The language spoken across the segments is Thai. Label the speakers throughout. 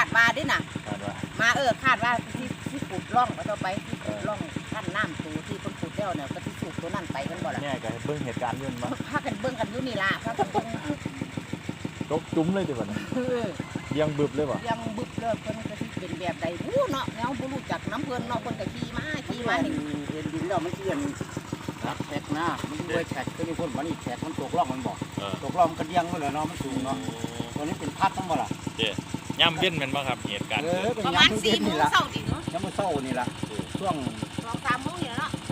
Speaker 1: ว่าดิน่ะมาคาดว่าที่ขุดร่องมาต่อไปที่ขุดร่องขั้นน้ำตูที่คนขุดแล้วเนี่ยก็ที่สูบตัวนั่นไปกันบ่ล่ะ
Speaker 2: เนี่ยก็เบิ่งเหตุการณ์ยื่นมา
Speaker 1: พากันเบิ่งกันอยู่นี่ล่ะพากัน
Speaker 2: ตกจุ้มเลยดิบ่ยังบึบเลยบ่
Speaker 1: ยังบึบเลยเพิ่นก็สิเป็นแบบใดเนาะแนวบ่รู้จักน้ำเพิ่นเนาะเพิ่นก็ขี่มานี่เห็นดินแล้วมันเชื่อนรักแท็กนะมันด้วยแท็กก็มีคนบ่นี่แท็กมันตกร่องมันบ่ตกร่องมันก็เดียงมันเลยเนาะมันสูงเนาะตัวนี้เป็นพัดทั้งบ่ล่ะ
Speaker 2: ย่ำเย็นแม่นบ่ครับเหตุการณ์
Speaker 1: ประมาณ4 โมงเช้าดิเนาะ
Speaker 2: ยามมื้อเช้านี่ล่ะช่วง
Speaker 1: 2-3 โมงนี่เนาะ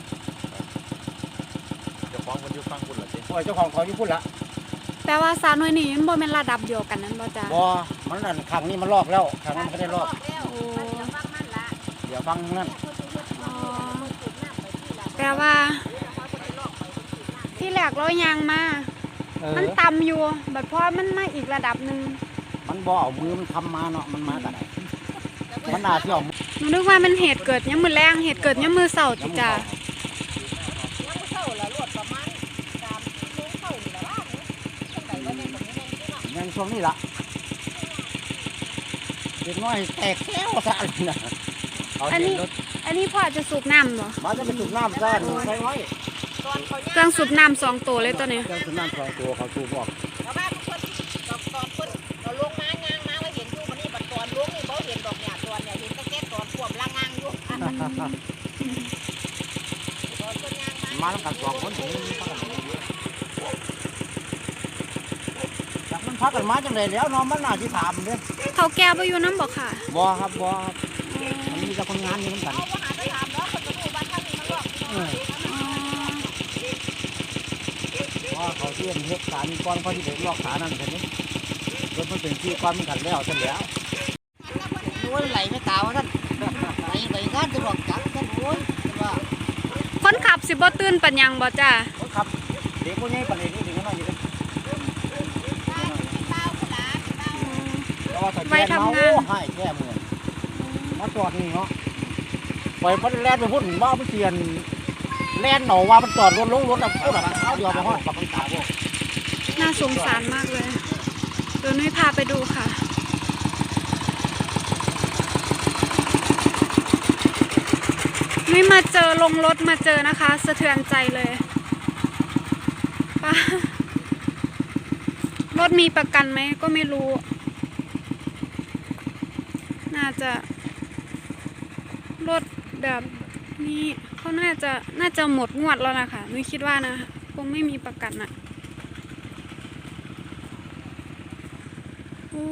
Speaker 2: เจ้าของเพิ่นอยู่ฟังพุ่นล่ะติ
Speaker 1: เจ้าของเขาอยู่พุ่นล่ะ
Speaker 3: แปลว่าสาวน้อยนี่มันบ่แม่นระดับเดียวกันนั้นบ่จ้ะ
Speaker 1: บ่มันนั่นครั้งนี้มันรอบแล้วครั้งนั้นก็ได้รอบเดี๋ยวฟังนั่น
Speaker 3: แปลว่าที่แรกเรายางมามันต่ำอยู่บัดพอมันมาอีกระดับนึง
Speaker 1: มันบ่เอามือมันทำมาเนาะมันมาแต่ไหนมันน่าสิเอา
Speaker 3: หนูนึกว่ามันเหตุเกิดยามมื้อแลงเหตุเกิดยามมื้อเช้าติจ้ะ
Speaker 1: ยังช่วงนี้ล่ะเด็กน้อยแตกแก้วซะน่ะ
Speaker 3: อันนี้พ่อจะสูบน้ำบ่
Speaker 1: มาจะไปสูบน้ำซะใส่ไว้
Speaker 3: เครื่องสูบน้ำ2 ตัวเลยตัวนี้
Speaker 1: เครื่องสูบน้ำ2 ตัวเขาสูบออกแล้วบ้านเพิ่นตอนเพิ่นเราลงมายางมาว่าเห็นอยู่บัดนี้บัดตอนลงนี่บ่เห็นดอกเนี่ยตอนเนี่ยเห็นแต่แค่ตอนท่วมล่างงางอยู่ตอนเพิ่นยางมาแล้วกัน2 คนนี่มันพักกันมาจังได๋แล้วน้องมันน่าสิถามเด้อ
Speaker 3: เขาแก้บ่อยู่นำบ่ค่ะ
Speaker 1: บ่ครับบ่มันมีแต่คนงานอยู่นำกันเขาบ่หาไปถามแล้วเพิ่นก็รู้บ้านทางนี้มันรอบว่าเขาเที่ยงเฮ็ดการก่อนเขาสิได้ลอกฐานนั่นซั่นนี่รถมันเป็นที่ก่อนมันกันแล้วซั่นแล้วโอ้ยไหลไม่ตาว่าท่านไหลงานจะบอกจังท่านโอ้ยว่า
Speaker 3: คนขับสิบ่ตื่นปัญญังบ่จ้า
Speaker 1: คนขับเด็กคนนี้ปานนี้ถึงน้อยอยู่
Speaker 3: ไว้ทำงาน
Speaker 1: ให้แก้มือมาจอดนี่เนาะปล่อยมันแล่นไปพุ่นว่ามันเสียนแล่นหนอว่ามันจอดรถลงรถแล้วพูดอะไรเขาเดียวไปห้องกับมันตาพวก
Speaker 3: น่าสงสารมากเลยเดี๋ยวนุ้ยพาไปดูค่ะนุ้ยมาเจอลงรถมาเจอนะคะสะเทือนใจเลยป้ารถมีประกันไหมก็ไม่รู้น่าจะรถแบบนี้เขาน่าจะหมดงวดแล้วนะคะนุ้ยคิดว่านะคงไม่มีประกันอ่ะโอ้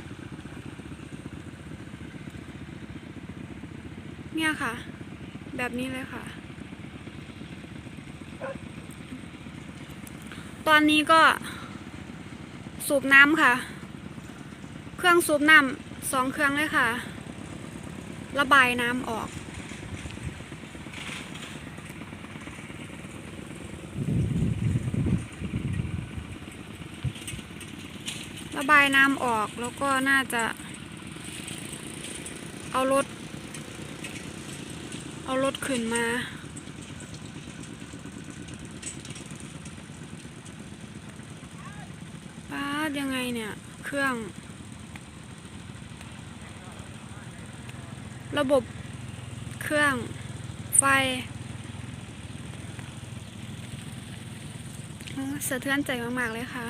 Speaker 3: เนี่ยค่ะแบบนี้เลยค่ะตอนนี้ก็สูบน้ำค่ะเครื่องสูบน้ำ2 เครื่องเลยค่ะระบายน้ำออกระบายน้ำออกแล้วก็น่าจะเอารถขึ้นมาป้ายังไงเนี่ยเครื่องระบบเครื่องไฟสะเทือนใจมากๆเลยค่ะ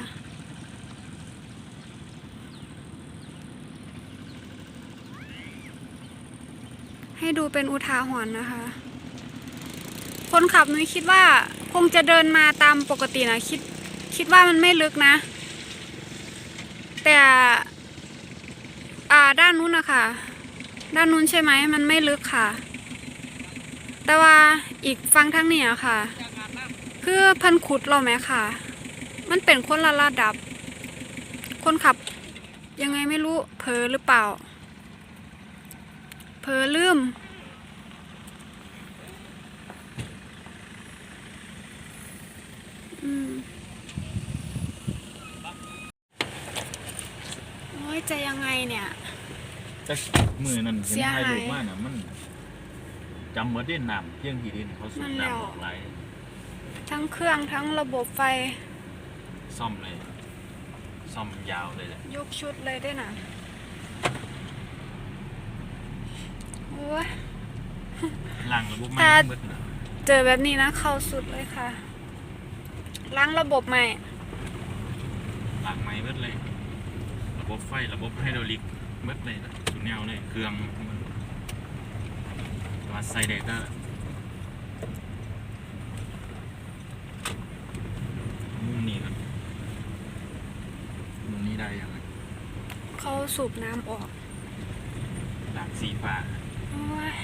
Speaker 3: ให้ดูเป็นอุทาหรณ์นะคะคนขับนุ้ยคิดว่าคงจะเดินมาตามปกตินะคิดว่ามันไม่ลึกนะแต่ด้านนู้นนะคะด้านนู้นใช่ไหมมันไม่ลึกค่ะแต่ว่าอีกฝั่งทางนี้ค่ะคือพันขุดเราไหมค่ะมันเป็นคนละระดับคนขับยังไงไม่รู้เผลอหรือเปล่าเผลอลืมโอ้ยจะยังไงเนี่ย
Speaker 2: จะมือนั่นเห็นถ่ายรูปมาน่ะมันจำเหมือนดินน้ำเที่ยงที่ดินเขาสูบน้ำออกไหล
Speaker 3: ทั้งเครื่องทั้งระบบไฟ
Speaker 2: ซ่อมเลยซ่อมยาวเลยแหละ
Speaker 3: ยกชุดเลยด้วยนะ
Speaker 2: ล้างระบบใหม่
Speaker 3: ถ้า
Speaker 2: เบิดน่ะ
Speaker 3: เจอแบบนี้นะเข้าสุดเลยค่ะล้างระบบใหม่
Speaker 2: ล้างใหม่เบิดเลย ระบบไฟระบบไฮดรอลิกเบิดเลยนะสุดแนวเลยเครื่องมันว่าใส่ได้ก็มุมนี้ครับมุมนี้ได้ยังไง
Speaker 3: เขาสูบน้ำออก
Speaker 2: หลังสีฟ้า
Speaker 3: โอ้ย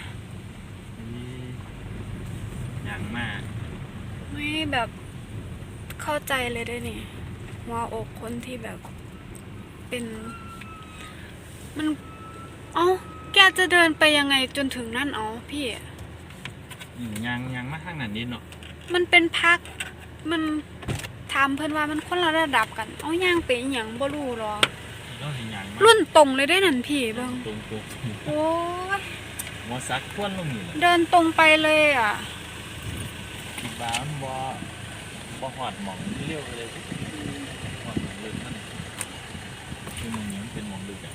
Speaker 2: อย่างมาก
Speaker 3: ไม่แบบเข้าใจเลยด้วยนี่หัวอกคนที่แบบเป็นมันแกจะเดินไปยังไงจนถึงนั่นพี่
Speaker 2: ยังมาข้างนั้นนิดเนาะ
Speaker 3: มันเป็นพักมันถามเพื่อนว่ามันคนละระดับกันย่างไปอหย่างบ่รู้หรอ
Speaker 2: เราเห็นอย่างมา
Speaker 3: รุ่นตรงเลยได้นั่นพี่เบิ่ง
Speaker 2: ตรง
Speaker 3: โอ้ย
Speaker 2: หัวซักควนลงอยู่
Speaker 3: เดินตรงไปเลยอ่ะ
Speaker 2: คิดว่ามันบ่หอดหมองเร็วเลยหอดหมองลึกนั่นคือมึงนี้มันเป็นหมองลึกอ่ะ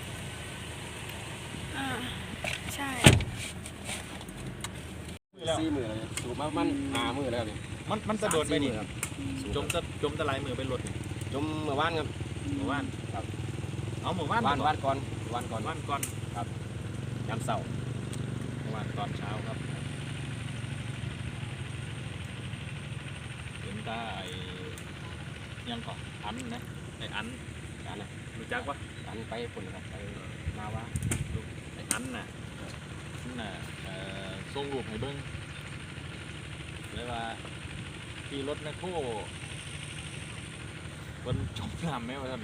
Speaker 3: ใช่
Speaker 4: 4 มื้อแล้วสูบมามัน5 มื้อแล้วนี่
Speaker 2: มันสะโดดไปนี่
Speaker 4: ครับ
Speaker 2: จมตะไลมือไปรถนี่
Speaker 4: จมเมื่อวานครับ
Speaker 2: หมู่บ้าน
Speaker 4: ครับ
Speaker 2: เอาหมู่บ้าน
Speaker 4: วานก่อน
Speaker 2: วันก่อน
Speaker 4: ยามเช้า
Speaker 2: หมู่บ้านตอนเช้าครับถึงตายังก่อนอันนะไอ้อัน
Speaker 4: การนะ
Speaker 2: รู้จักปะ
Speaker 4: การไปพุ่นครับไปมาว่า
Speaker 2: ไอ้อันน่ะนั่นน่ะส่งรูปให้เบิ้งเลยว่าที่รถแมคโครบนจมน้ำไหมวะท่าน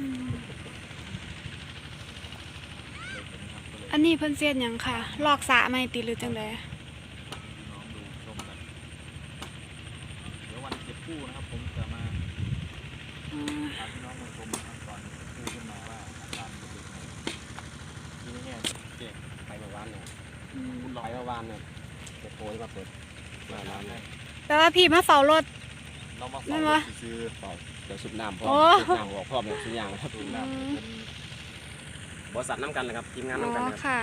Speaker 3: อันนี้เพิ่นเสียดหยังค่ะ ลอกสระไม่ติหรือจังได
Speaker 2: น้องดูชมกันเดี๋ยววันเก็บกู้นะครับผมจะมาพาพี่น้องมาชมนะครับตอนกู้ขึ้นมาว่าอาการเป็นยังไงที่นี่เนี่ยเจ๊
Speaker 4: ไปเมื่อวานเนี่ย
Speaker 2: คุณลอง
Speaker 4: ไปเมื่อวานเนี่ยเปิดโพยมาเปิดหน้าร้านเนี่ย
Speaker 3: แปลว่าพี่มาเฝ้ารถ
Speaker 2: เรามา
Speaker 3: นั่
Speaker 2: ฟัง
Speaker 3: นวะ
Speaker 2: ซื้อ
Speaker 4: ต่อเดี๋ยวสูบน้ำพร้อม
Speaker 3: โอ้
Speaker 4: สูบน้ำออกพร้อมเนี่ยสูบยางครับ
Speaker 2: ดูน้ำเป็น
Speaker 4: บริษัทน้ำกันเลยครับทีมงาน
Speaker 3: อ๋อ
Speaker 4: น้ำกันครับ
Speaker 3: ค่ะ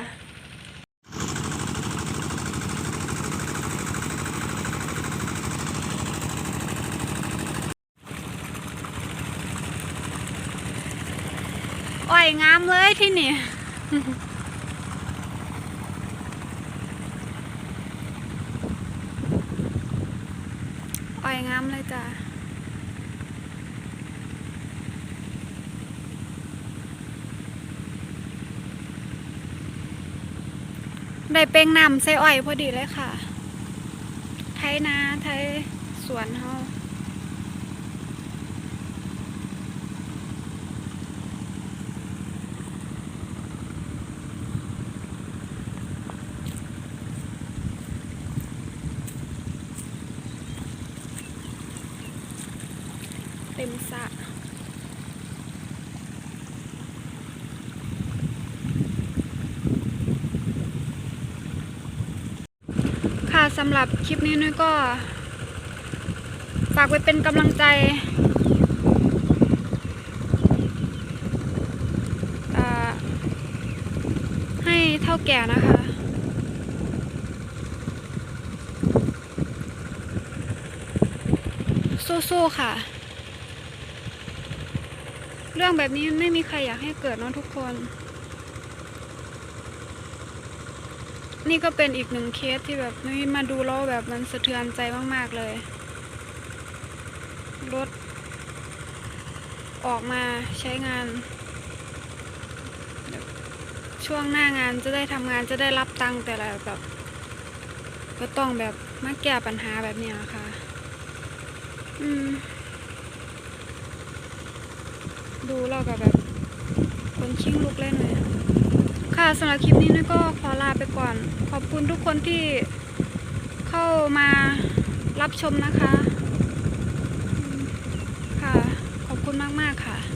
Speaker 3: อ่อยงามเลยที่นี่ อ่อยงามเลยจ้ะ ได้เป้งน้ำใส่อ้อยพอดีเลยค่ะ ไทยนาไทยสวนเฮาเต็มสระค่ะสำหรับคลิปนี้นุ้ยก็ ฝากไว้เป็นกำลังใจให้เท่าแก่นะคะ สู้ๆค่ะ เรื่องแบบนี้ไม่มีใครอยากให้เกิดเนอะทุกคน นี่ก็เป็นอีกหนึ่งเคสที่แบบนุ้ยมาดูแล้วแบบมันสะเทือนใจมากๆเลย รถออกมาใช้งาน ช่วงหน้างานจะได้ทำงานจะได้รับตังค์แต่ละแบบก็ต้องแบบมาแก้ปัญหาแบบนี้ค่ะดูแล้วก็แบบคนชิงลุกเล่นเลยค่ะสำหรับคลิปนี้นุ้ยก็ขอลาไปก่อน ขอบคุณทุกคนที่เข้ามารับชมนะคะค่ะขอบคุณมากๆค่ะ